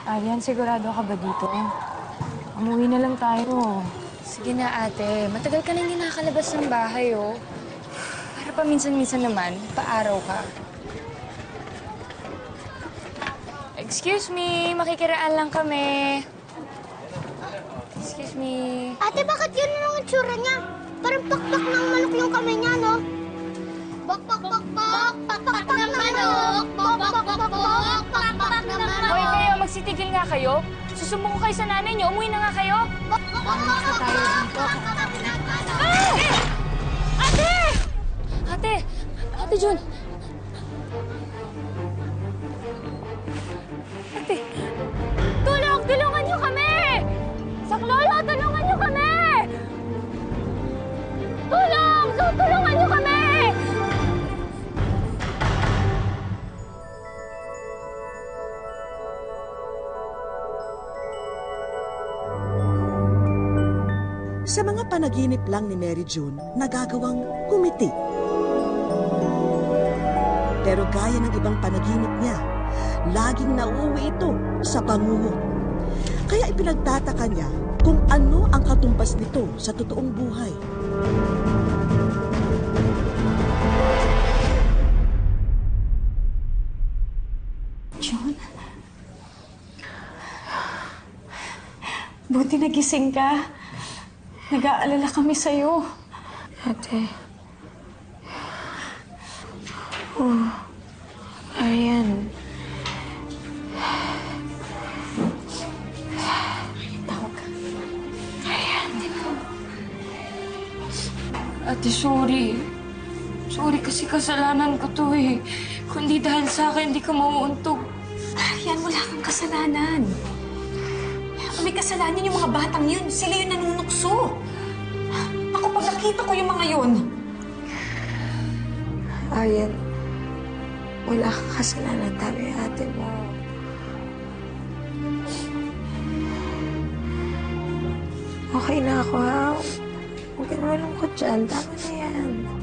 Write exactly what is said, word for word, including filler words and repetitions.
Aryan, sigurado ka ba dito? Umuwi na lang tayo. Sige na, ate. Matagal ka nang hindi nakakalabas ng bahay, oh. Para paminsan-minsan naman, paaraw ka. Excuse me, makikiraan lang kami. Excuse me. Ate, bakit yun ang itsura niya? Parang pakpak ng manok yung kamay niya, no? Bak, bak, bak, bak, bak, bak, bak ng manok! Bak, bak, bak, bak, bak, bak, bak ng manok! Hoy, kayo, magsitigil nga kayo. Susumbong ko kayo sa nanay niyo. Umuwi na nga kayo. Bak, bak, bak, bak, bak, bak, bak ng manok! Ah! Ate! Ate! Ate Jun! Ate! Tulong! Tulungan niyo kami! Saklolo! Tulungan niyo kami! Tulong! So, tulungan niyo kami! Sa mga panaginip lang ni Mary June, nagagawang kumiti. Pero gaya ng ibang panaginip niya, laging nauuwi ito sa bangungot. Kaya ipinagtataka niya kung ano ang katumbas nito sa totoong buhay. June? Buti nagising ka. Nag-aalala kami sa'yo. Ate. Oh, Aryan. Tawag ka. Aryan. Ate, sorry. Sorry kasi kasalanan ko to eh. Kundi dahil sa akin, hindi ka mauuntog. Aryan, wala kang kasalanan. May kasalanan yung mga batang yun. Sila yung nanunukso. Ako, pag nakita ko yung mga yun. Aryan, wala kang kasalanan, tama yung ate mo. Okay na ako, ha? Huwag ka na malungkot dyan. Tama na yan.